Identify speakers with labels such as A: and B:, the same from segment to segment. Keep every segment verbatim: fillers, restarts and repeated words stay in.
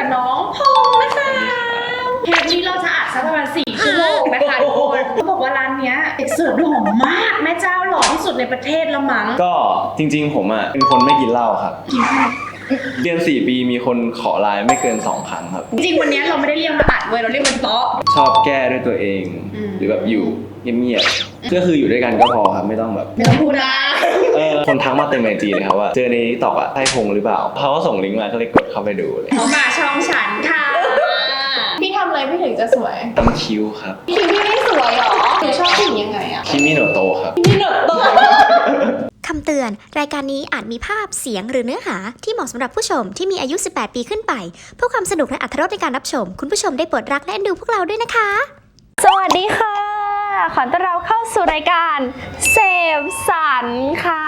A: กับน้องพงษ์นะคะเทปนี้เราจะอัดสักประมาณสี่ชั่วโมงนะคะทุกคนเขาบอกว่าร้านเนี้ยเด็กเสิร์ฟหล่อมากแม่เจ้าหล่อที่สุดในประเทศละมั้ง
B: ก็จริงๆผมอ่ะเป็นคนไม่กินเหล้าครับเรียนสี่ปีมีคนขอไลน์ไม่เกินสองครั้งครับ
A: จริงๆวันนี้เราไม่ได้เรียกมาอัดเว้ยเราเรียกมันโต๊ะ
B: ชอบแก้ด้วยตัวเองหรือแบบอยู่เงียบๆก็คืออยู่ด้วยกันก็พอครับไม่ต้องแบบ
A: ไม่ต้องพูดนะ
B: เออคนทักมาเต็มไอจีเลยครับว่าเจอในตอกอ่ะใช่พงหรือเปล่าเขาก็ส่งลิงก์มาก็เลยกดเข้าไปดูเลย
A: เขามาช่องฉันค่ะพี่ทำอะไรพี่ถึงจะสวย
B: ตั้งคิ้วครับ
A: คิ้วพี่ไม่สวยหรอหนูชอบผู้หญิงยังไงอะ
B: คิมิโนโตะครับ
A: คิมิโนโตะ
C: คำเตือนรายการนี้อาจมีภาพเสียงหรือเนื้อหาที่เหมาะสำหรับผู้ชมที่มีอายุสิบแปดปีขึ้นไปเพื่อความสนุกและอรรถรสในการรับชมคุณผู้ชมได้โปรดรักและเอ็นดูพวกเราด้วยนะคะ
D: สวัสดีค่ะขอต้อนรับเข้าสู่รายการเสพสันค่ะ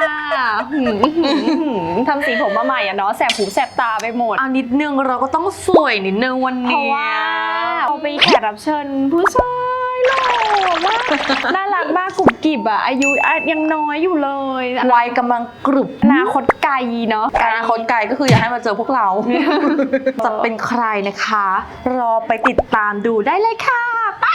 D: ทำสีผมมาใหม่อะเนาะแสบหูแสบตาไปหมด
E: เอานิดนึงเราก็ต้องสวยนิดนึงวันนี้
D: เพราะว่าเราไปแขกรับเชิญผู้ชายหล่อมากน่ารักมากกรุบกริบอะอายุยังน้อยอยู่เลย
E: วัยกำลังกรุบ
D: อนาคตไกลเนาะ
E: อนาคตไกลก็คืออยากให้มาเจอพวกเราจะเป็นใครนะคะรอไปติดตามดูได้เลยค่ะไป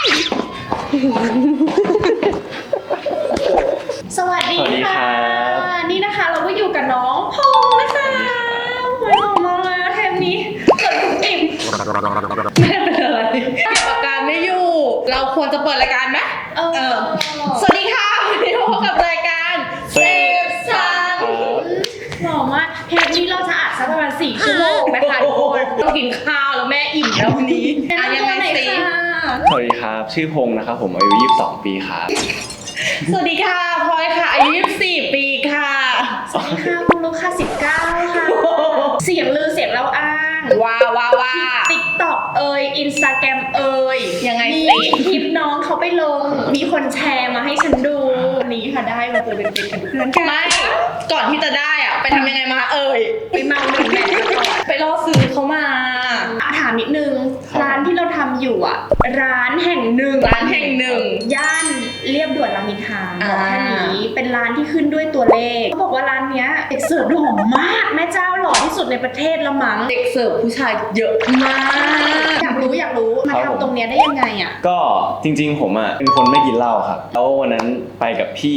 A: สวัสดีค่ะนี่นะคะเราก็อยู่กับน้องพงษ์นะคะหล่อมากเลยเทปนี้เกิดคุณอิ่มไม่ได้เป็นอะไรเก็บอาการไม่อยู่เราควรจะเปิดรายการไหมเออสวัสดีค่ะวันนี้พบกับรายการเซฟซันหล่อมากเทปนี้เราจะอัดสักประมาณสี่ชั่วโมงนะคะทุกคนต้องกินข้าวแล้วแม่อิ่มแล้ววันนี้อ่ะยังไงสิ
B: สวัสดีครับชื่อพงษ์นะครับผมอายุยี่สิบสองปีครับ
A: สวัสดีค่ะพลอยค่ะอายุยี่สิบสี่ปีค่ะสวัสดีค่ะคุณลูกค่ะสิบเก้าค่ะเสียงลือเสียงเล่าอ้างว้าว้าว้าติ๊กต็อกเอ่ยอินสตาแกรมเอ่ยยังไงสิคลิปน้องเขาไปลงมีคนแชร์มาให้ฉันดูวันนี้ค่ะได้มาเจอเป็นเป็นเพื่อนกันไม่ก่อนที่จะได้อ่ะไปทำยังไงมาเอ่ยไปเมาหนึ่งแม่ไปล่อซื้อเขามาถามนิดนึงร้านที่เราทำอยู่อ่ะร้านแห่งหนึ่งร้านแห่งหนึ่งย่านเรียบด่วนรามอินทราบอกแค่นี้เป็นร้านที่ขึ้นด้วยตัวเลขเขาบอกว่าร้านเนี้ยเด็กเสิร์ฟหล่อมากแม่เจ้าหล่อที่สุดในประเทศละมั้งเด็กเสิร์ฟผู้ชายเยอะมากอยากรู้อยากรู้มาทำตรงเนี้ยได้ยังไงอ่ะ
B: ก็จริงๆผมอ่ะเป็นคนไม่กินเหล้าครับแล้ววันนั้นไปกับพี่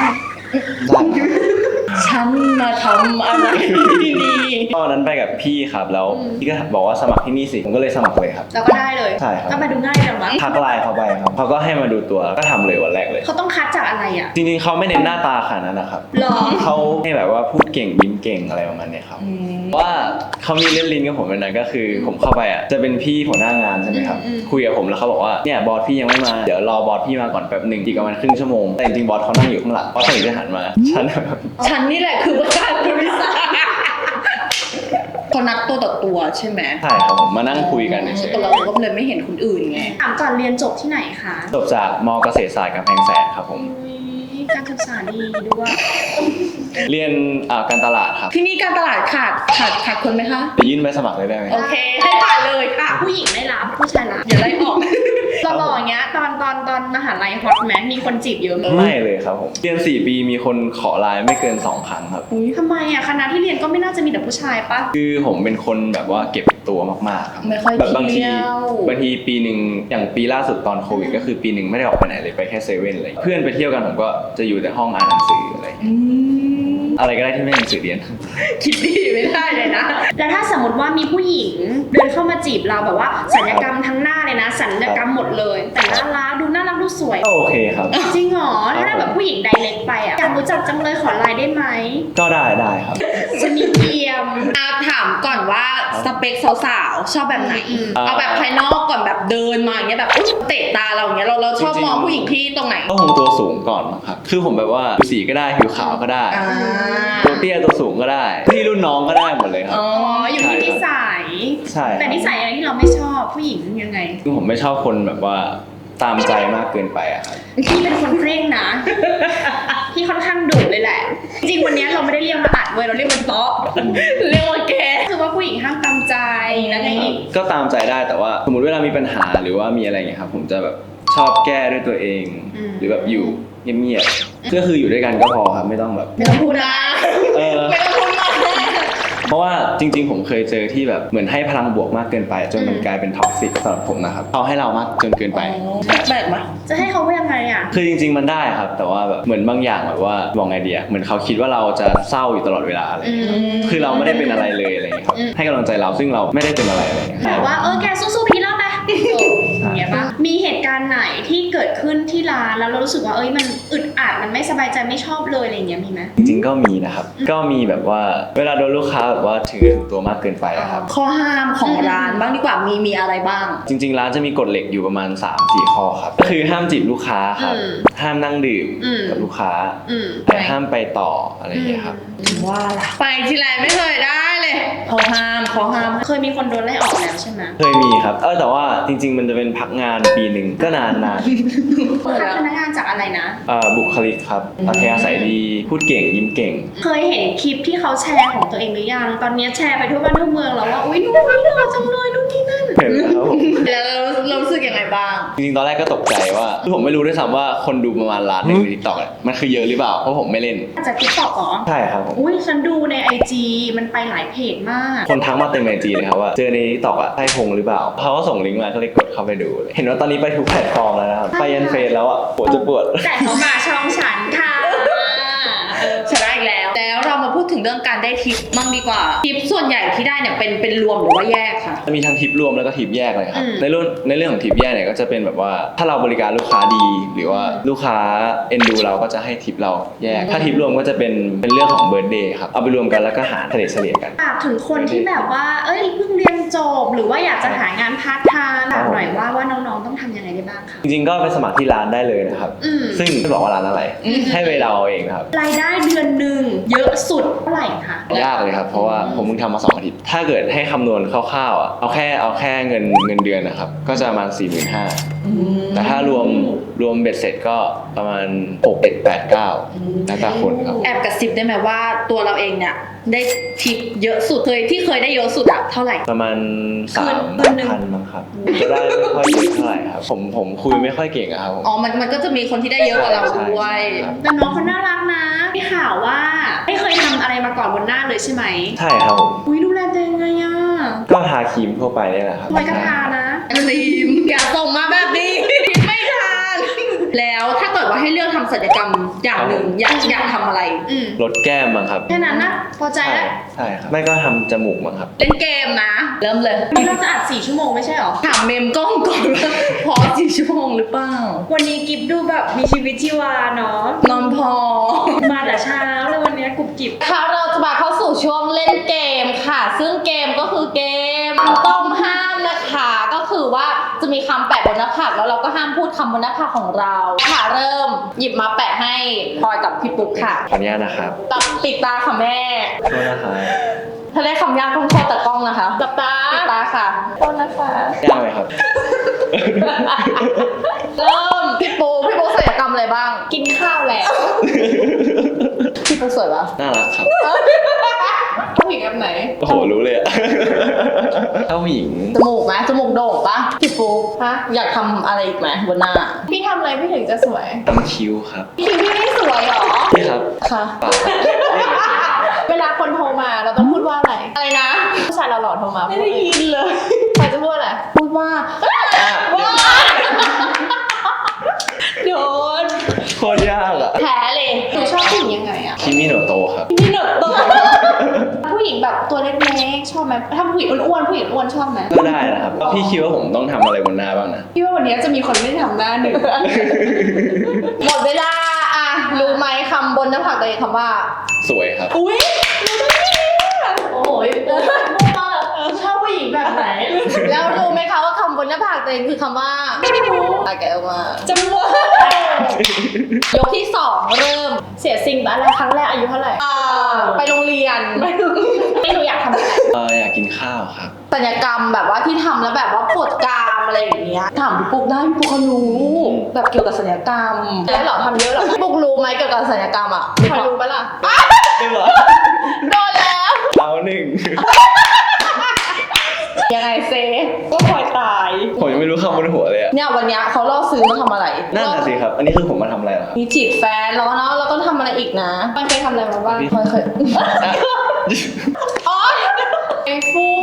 A: ฉันมาทำอะไรที่นี่
B: ตอนนั้นไปกับพี่ครับแล้วพี่ก็บอกว่าสมัครที่นี่สิผมก็เลยสมัครเลยครับ
A: แล้วก็ได้เลย
B: ใช่ครับ
A: ก็มาดูง่ายจังมั้ง
B: ทักไลน์เขาไปครับเขาก็ให้มาดูตัวก็ทำเลยวันแรกเลย
A: เขาต้องคัดจากอะไรอ่ะ
B: จริงๆเขาไม่เน้นหน้าตาขนาดนั้นนะครับเขาให้แบบว่าพูดเก่งยิ้มเก่งอะไรประมาณนี้ครับว่าเขามีเล่นลิ้นกับผมเป็นนั้นก็คือผมเข้าไปอ่ะจะเป็นพี่หัวหน้างานใช่ไหมครับคุยกับผมแล้วเขาบอกว่าเนี่ยบอสพี่ยังไม่มาเดี๋ยวรอบอสพี่มาก่อนแป๊บหนึ่งอีกประมาณครึ่งชั่วโมงแต่จริงๆบอสเขานั่งอยู่ข้างหลังบอสถึงจะหันมาฉัน
A: ฉันนี่แหละคือประธานบริษัทเขานัดตัวต่อตัวใช่ไหม
B: ใช่ครับผมมานั่งคุยกันเฉย
A: ๆเราก็เลยไม่เห็นคนอื่นไงถามก่อนเรียนจบที่ไหนคะ
B: จบจากม.เกษตรศาสตร์กำแพงแสนครับผม
A: การศึกษาดีด้วย
B: เรียนการตลาดครับ
A: ที่นี่การตลาดขาดขาดขาดคนไหมคะ
B: ไปยื่นใบสมัครเลยได้ไหม
A: โอเคให้ผ่านเลยค่ะผู้หญิงไม่รับผู้ชายรับอย่าไล่ออกหล่ออย่างเงี้ยตอนตอนตอนมหาลัยฮอตไหมมีคนจีบเยอะไหม
B: ไม่เลยครับผมเรียนสี่ปีมีคนขอไลน์ไม่เกินสองครั้งครับ
A: ทำไมอ่ะคณะที่เรียนก็ไม่น่าจะมีแต่ผู้ชายปะ
B: คือผมเป็นคนแบบว่าเก็บตัวมากๆครับ
A: ไม่ค่อย
B: แบบบางที
A: บ
B: างทีปีหนึ่งอย่างปีล่าสุดตอนโควิดก็คือปีหนึ่งไม่ได้ออกไปไหนเลยไปแค่เซเว่นเลยเพื่อนไปเที่ยวกันผมก็จะอยู่แต่ห้องอ่านหนังสืออะไรอะไรก็ได้ที่ไม่หนังสือเรียน
A: คิดดีไม่ได้เลยนะแล้วถ้าสมมติว่ามีผู้หญิงเดินเข้ามาจีบเราแบบว่าศัลยกรรมทั้งหน้าเลยนะศัลยกรรมหมดเลยแต่น่ารักดูน่ารักดูสวย
B: โอเคครับ
A: จริงเหรอถ้าแบบผู้หญิงไดเรกไปอ่ะอยากรู้จักจังเลยขอไลน์ได้ไหม
B: ก็ได้ได้ครับ
A: จะมีเกียมอาถามก่อนว่าสเปคสาวๆชอบแบบไหนเอาแบบภายนอกก่อนแบบเดินมาอย่างเงี้ยแบบเตะตาเราอย่างเงี้ยเราเราชอบมองผู้หญิงที่ตรงไหน
B: ก็คงตัวสูงก่อนครับคือผมแบบว่าผิวสีก็ได้ผิวขาวก็ได้ตัวเตี้ยตัวสูงก็ได้ที่รุ่นน้องก็ได้หมดเลยครับ
A: อ๋ออยู่ที่นิสัย
B: ใช่
A: แต่นิสัยอะไรที่เราไม่ชอบผู้หญิงยังไง
B: คือผมไม่ชอบคนแบบว่าตามใจมากเกินไปอะครับ
A: พี่เป็นคนเคร่งนะพี่ค่อนข้างดุเลยแหละจริงวันนี้เราไม่ได้เรียกมาอัดเว้ยเราเรียกมันโต๊ะเรียกว่าแกคือว่าผู้หญิงห้ามตามใจแล้วไงอีก
B: ก็ตามใจได้แต่ว่าสมมติเวลามีปัญหาหรือว่ามีอะไรเงี้ยครับผมจะแบบชอบแก้ด้วยตัวเองหรือแบบอยู่เงียบๆก็คืออยู่ด้วยกันก็พอครับไม่ต้องแบบ
A: ไม่ต้องพูดนะไม่ต้องพูดมาก
B: เพราะว่าจริงๆผมเคยเจอที่แบบเหมือนให้พลังบวกมากเกินไปจนมันกลายเป็นท็อกซิกสำหรับผมนะครับเขาให้เรามากจนเกินไป
E: แปลกไหม
A: จะให้เขาว่ายังไงอ่ะ
B: คือจริงๆมันได้ครับ แต่ว่าแบบเหมือนบางอย่างแบบว่าบอกไงดีอะเหมือนเขาคิดว่าเราจะเศร้าอยู่ตลอดเวลาอะไรอย่างเงี้ยคือเราไม่ได้เป็นอะไรเลยอะไรอย่างเงี้ยครับให้กำลังใจเราซึ่งเราไม่ได้เป็นอะไรอะไรอย่างเงี้ย
A: แบบว่าเออแกสู้ๆพี่แล้วไปอย่างเงี้ยปะมีเหตุการณ์ไหนที่เกิดขึ้นที่ร้านแล้วเรารู้สึกว่าเอ้ยมันอึดอัดมันไม่สบายใจไม่ชอบเลยอะไรอย่างเงี้ยมีไหม
B: จริงๆก็มีนะครับก็มีแบบว่าเวลาโดนลูกค้าแบบว่าถือถึงตัวมากเกินไปอะครับ
E: ข้อห้ามของร้านบ้างดีกว่ามีมีอะไรบ้าง
B: จริงๆร้านจะมีกฎเหล็กอยู่ประมาณ สามสี่ ข้อครับก็คือห้ามจีบลูกค้าครับห้ามนั่งดื่มกับลูกค้า
A: อืม
B: แต่ห้ามไปต่ออะไรอย่างเงี้ยครับ
E: ว่าล่ะ
A: ไปทีไรไม่เคยได้เลย
E: ข้อห้ามข้อห้าม
A: เคยมีคนโดนไล่ออกแล้วใช่ไหม
B: เคยมีครับเออแต่ว่าจริง ๆ มันจะเป็นพักงานปีหนึ่งก็นานนาน
A: คัดพนักงานจากอะไรนะ
B: เอ่อบุคลิกครับอัธยาศัยดีพูดเก่งยิ้มเก่ง
A: เคยเห็นคลิปที่เขาแชร์ของตัวเองหรือยังตอนนี้แชร์ไปทั่วบ้านทั่วเมืองแล้วว่าอุ้ยนู่นนี่หล่อจังเลยนู่นนี่นั่น
B: เห็นแล้วครับผม
E: แล้วเรารู้สึกยังไงบ้าง
B: จริงๆตอนแรกก็ตกใจว่าคือผมไม่รู้ด้วยซ้ำว่าคนดูประมาณล้านหนึ่งในทิกตอกมันคือเยอะหรือเปล่าเพราะผมไม่เล่น
A: จากติ๊กต็อกเหรอ
B: ใช่ครับผม
A: อุ้ยฉันดูในไอจีมันไปหลายเพจมาก
B: คนทักมาเต็มไอจีเลยครับว่าเจอในทิกตอกอะใช่พงหรือเปล่าเขาก็ส่งลิงก์มาก็เลยกดเข้าไปดูเลยเห็นว่าตอนนี้ไปทุกแพลตฟอร์มแล้วนะครับไปยันเฟซแล้วอะปวดจะปวด
A: แต่เขามาช่องฉันค่ะเออ
E: ชนะอีกแล้ว แล้วเรามาพูดถึงเรื่องการได้ทิปมั่งดีกว่า ทิปส่วนใหญ่ที่ได้เนี่ยเป็นเป็นรวมหรือว่าแยกค่ะ
B: มีทั้งทิปรวมแล้วก็ทิปแยกเลยครับในเรื่องในเรื่องของทิปแยกเนี่ยก็จะเป็นแบบว่าถ้าเราบริการลูกค้าดี หรือว่าลูกค้าเอ็นดูเราก็จะให้ทิปเราแยก ถ้าทิปรวมก็จะเป็นเป็นเรื่องของเบิร์ธเดย์ครับเอาไปรวมกันแล้วก็หารเฉลี่ยเฉลี่ยกัน
A: ฝากถึงคนที่แบบว่า เอ้ยเพิ่งเรียนจบหรือว่าอยากจะหางานพาร์ทไทม์บอกหน่อยว่าว่าน้องๆต้องทำยังไงได้บ้างคะ
B: จริงๆก็ไปสมัครที่ร้านได้เลยนะครับ
A: อืม
B: ซึ่งไม่บอกว่าร้านอะไรให้ไปเดาเอาเองนะครับ
A: รายได้เดือนหนึ่งเยอะสุดเท่าไหร่คะ
B: ยากเลยครับเพราะว่าผมเพิ่งทำมาสองอาทิตย์ถ้าเกิดให้คำนวณคร่าวๆอ่ะเอาแค่เอาแค่เงินเงินเดือนนะครับก็จะประมาณ สี่หมื่นห้าพัน แต่ถ้ารวมรวมเบ็ดเสร็จก็ประมาณหก เจ็ด แปด เก้าแล้วแต่คนครับ
E: แอบกระซิบได้ไหมว่าตัวเราเองเนี่ยได้ทิปเยอะสุดเคยที่เคยได้เยอะสุดอะเท่าไหร่
B: ประมาณสาม
A: คืนหนึ่ง
B: พันมั้งครับจะได้ไม่ค่อยเยอะเท่าไหร่ครับผมผมคุยไม่ค่อยเก่งอะครับผม
E: อ๋อ มันมันก็จะมีคนที่ได้เยอะกว่าเรา
B: ใช่
E: ด้วย
B: ใช่ครับ
A: แต่น้องเขาน่ารักนะมีข่าวว่าไม่เคยทำอะไรมาก่อนบนหน้าเลยใช่ไหม
B: ใช่ครับผม
A: อุ้ยดูแลตัวเองไงอ่ะ
B: ก็ทาครีมทั่วไปนี่แหละครับ
A: ไว้กระทานะ
E: ทีมอย่าส่งมาแบบนี้ ไม่ทันแล้วถ้าเกิดว่าให้เลือกทำศัลยกรรมอย่างหนึ่งอยากอยากทำอะไร
A: อืม
B: ลดแก้มมั้งครับ
A: แค่นั้นนะพอใจ
B: ใช่
A: แล้ว
B: ใช่ครับไม่ก็ทำจมูกมั้งครับ
E: เล่นเกมนะ เริ่มเลย
A: วันนี้เราจะอัดสี่ชั่วโมงไม่ใช่หรอ
E: ถามเมมกล้องก่อนว่าพอสี่ชั่วโมงหรือเปล่า
A: วันนี้กิฟดูแบบมีชีวิตชีวาเนาะ
E: นอนพอ
A: มาแต่เช้าเลยวันนี้กรุบกริบ
E: ค่ะเราจะมาเข้าสู่ช่วงเล่นเกมค่ะ ซึ่งเกมก็คือเกมต้องห้ามนะคะ ก็คือว่าจะมีคำแปะบนหน้าผากแล้วเราก็ห้ามพูดคำบนหน้าผากของเราค่ะเริ่มหยิบมาแปะให้พลอยกับพี่ปุ๊กค่ะ
B: ขออนุญาตนะครับ
E: ตัดปิดตาค่ะแม่
B: โทษนะครับ
E: ถ้าได้คำยากต้องโทษตากล้องนะคะตับตาปิดตาค่ะโทษนะคะ
B: ยากไหมครับ
E: เริ่มพี่ปูพี่ปูศัลยกรรมอะไรบ้าง
A: กินข้าวแล้ว
E: พี่ปูสวยปะ
B: น่ารักครับ
E: ผู้หญิงแบบไหน
B: โอ้โหรู้เลยอะถ้าผู้หญิง
E: จมูกไหมจมูกโด่งปะพี่ปูฮะอยากทำอะไรอีกไหมบนหน้า
A: พี่ทำอะไรพี่ถึงจะสวย
B: ทำคิ้วครับ
A: พี่พี่ไม่สวยหรอ
B: นี่ครับ
E: ค่ะ
B: ปาก
A: เวลาคนโทรมาเราต้องพูดว่าอะไร
E: อะไรนะ
A: ผู้ชายเราหล่อๆโทรมา
E: ไม่ได้ยินเลย
A: ใครจะพูดอะไร
E: พูดว่า
B: อ่ะ
A: โดน
B: โคตรยากอะ
E: แผลเลย
A: หนูชอบผู้หญิงยังไงอะ
B: คิมิโนโตะครับ
E: พี่หนกตัว
A: ผู้หญิงแบบตัวเล็กๆชอบไหมถ้าผู้หญิงอ้วนๆผู้หญิงอ้วนชอบไหม
B: ก็ได้นะครับ พี่คิดว่าผมต้องทำอะไรบนหน้าบ้างนะ
A: พี่ว่าวันนี้จะมีคนไม่ทำหน้าหนึ่ง
E: หมดเวลาอ่ะรู้ไหมคำบนหน้าผากตัวเองคำว่า
B: สวยครับ
A: อุ้ยโอ้ยโอ้ยชอบผู้หญิงแบบไหน
E: แล้วรู้ไหมคะว่าคำบนหน้าผากตัวเองคือคำว่าไม่รู้อ่ะแกะออกมา
A: จมูก
E: ยกที่สองเริ่ม
A: เสียสิ่งอะไรครั้งแรกอายุเท่าไหร่
E: อ่าไปโรงเรียน
A: ไม่หนูอยากทำอะไร
B: เอออยากกินข้าวครับ
E: ศัลยกรรมแบบว่าที่ทำแล้วแบบว่าปวดกรามอะไรอย่างเงี้ยถามพี่ปุ๊กได้พี่ปุ๊กเขารู้แบบเกี่ยวกับศัลยกรรม
A: แล้วเหรอทำเยอะเหรอ
E: พี่ปุ๊กรู้ไหมเกี่ยวกับศัลยกรรมอ่ะ
A: พอรู้ปะล่ะ
B: ได้เหรอ
E: โดนแล้ว
B: เอาหนึ่ง
E: ยังไงเซ
A: ก็คอยตาย
B: ผมยังไม่รู้คำบนหัวเลยอะ
E: เนี่ยวันเนี้ยเขาล่อซื้อมาทำอะไร
B: นั่นน่ะสิครับ อันนี้คือผมมาทำอะไรเหรอครับ
E: มีจีบแฟนแล้วเนาะแล้วก็ทำอะไรอีกนะ
A: มันเคยทำอะไรมาบ้าง
E: เคยเคย
B: อ่ะ
E: อ๋อ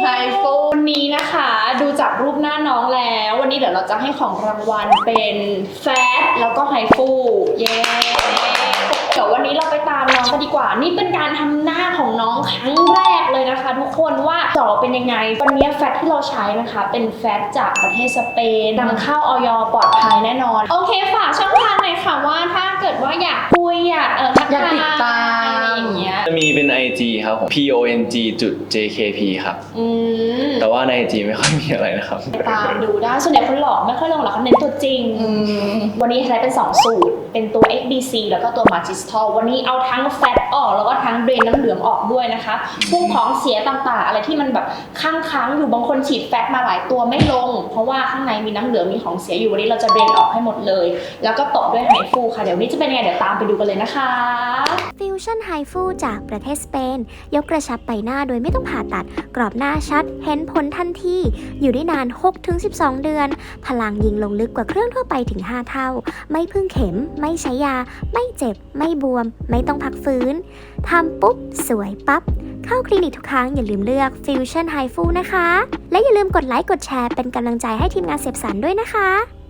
E: ไฮฟู
A: วันนี้นะคะดูจากรูปหน้าน้องแล้ว วันนี้เดี๋ยวเราจะให้ของรางวัลเป็นแฟตแล้วก็ไฮฟูเย้เดี๋ยววันนี้เราไปตามน้องกันดีกว่า นี่เป็นการทำหน้าของน้องครั้งแรกเลยนะคะ ทุกคนว่าจะออกเป็นยังไงวันนี้แฟตที่เราใช้นะคะ เป็นแฟตจากประเทศสเปนนำเข้าออยปลอดภัยแน่นอน โอเคฝากช่องทางหน่อยค่ะว่าถ้าเกิดว่าอยากคุยอยากเออทัก
E: อยาก
A: ทาย
E: ติดตาม
A: อะไรอย่างเงี้ย
B: จะมีเป็น ไอ จี ครับผม พี โอ เอ็น จี จุด เจ เค พี ครับ
A: อืม
B: แต่ว่าใน ไอ จี ไม่ค่อยมีอะไรนะครับ
A: ตามดูได้ส่วนใหญ่คนหลอกไม่ค่อยลงหรอกเขาเน้นตัวจริง
E: อืม
A: วันนี้ใช้เป็น สอง สูตร เป็นตัว เอ็กซ์ บี ซี แล้วก็ตัว Magistol วันนี้เอาทั้งแฟตออกแล้วก็ทั้งเดรนน้ำเหลืองออกด้วยนะคะพวกของเสียต่างๆ อะไรที่มันแบบค้างๆอยู่บางคนฉีดแฟตมาหลายตัวไม่ลง เพราะว่าข้างในมีน้ำเหลืองมีของเสียอยู่วันนี้เราจะเดรนออกให้หมดเลย แล้วก็ตบด้วยไฮฟูค่ะเดี๋ยววันนี้จะเป็นยังไงเดี๋ยวตามไปดูกันเลยนะคะ
C: ฟิวชั่นไฮฟูจากประเทศสเปน ยกกระชับใบหน้าโดยไม่ต้องผ่าตัด กรอบหน้าชัด เห็นผลทันที อยู่ได้นาน หกถึงสิบสอง เดือน พลังยิงลงลึกกว่าเครื่องทั่วไปถึง ห้า เท่า ไม่พึ่งเข็ม ไม่ใช้ยา ไม่เจ็บ ไม่บวม ไม่ต้องพักฟื้น ทำปุ๊บ สวยปั๊บ เข้าคลินิกทุกครั้งอย่าลืมเลือก Fusion Hi Fu นะคะ และอย่าลืมกดไลค์กดแชร์เป็นกำลังใจให้ทีมงานเสียบสรรด้วยนะคะ